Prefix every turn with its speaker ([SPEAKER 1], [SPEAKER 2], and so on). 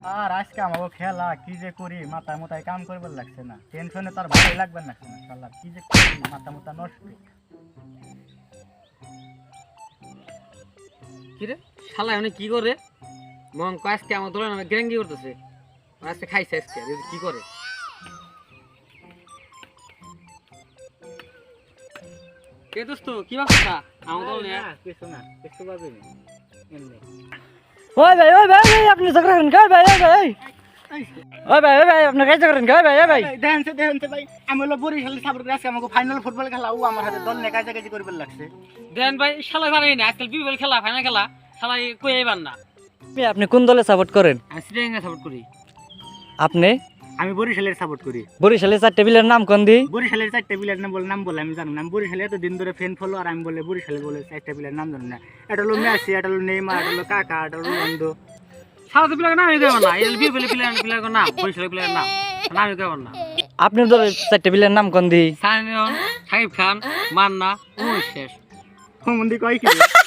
[SPEAKER 1] আর আজকে আমাকে খেলা কি যে করি মাথা মোতায় কাম করবার লাগছে না, টেনশনে তার ভালোই লাগবে লাগছে না, শালা কি যে করি মাথা মোতা নষ্ট।
[SPEAKER 2] কিরে শালা মানে কি করে মন আজকে আমার দোলে নামে গ্যাঙ্গি করতেছে, আজকে খাইছে আজকে কি করে। কে দোস্ত কি ভাবছা আমার দল নিয়ে?
[SPEAKER 1] কিছু না, কিছু পাবি না এমনি।
[SPEAKER 3] ওই ভাই আপনি ঝগড়া করেন কই ভাই? ওই ভাই আপনি কাজ করেন কই ভাই?
[SPEAKER 1] দেখেন ভাই, আমি হলো বরিশালের সাপোর্ট করে আজকে আমাকে ফাইনাল ফুটবল খেলা ও আমার হাতে দল নিয়ে কাছাকাছি করবার লাগছে।
[SPEAKER 2] দেন ভাই শালা পারেই না আজকাল বিবল খেলা ফাইনাল খেলা শালা কই আইবার না।
[SPEAKER 3] আপনি কোন দলে সাপোর্ট করেন?
[SPEAKER 2] আমি শ্রীলঙ্কা সাপোর্ট করি।
[SPEAKER 3] আপনি?
[SPEAKER 1] আমি বরিশালের সাপোর্ট করি।
[SPEAKER 3] বরিশালের 4 প্লেয়ারের নাম কোন দি?
[SPEAKER 1] বরিশালের 4 প্লেয়ারের নাম বলে আমি জানি না। আমি বরিশালে এত দিন ধরে ফ্যান ফলো, আর আমি বলে বরিশালের বলে 4 প্লেয়ারের নাম জানি না। এটা হলো মেসি, এটা হলো নেইমার, এটা হলো কাকা, এটা হলো রোনালদো।
[SPEAKER 2] শালা তো প্লেয়ার নাম দেব না, এল বিবল প্লেয়ার নাম বরিশালের প্লেয়ার নাম দেব না।
[SPEAKER 3] আপনার দলের 4 প্লেয়ারের নাম কোন দি?
[SPEAKER 2] সাইনিয়ন, সাকিব খান, মান্না, শেষ।
[SPEAKER 1] হুমন্দি কয় কি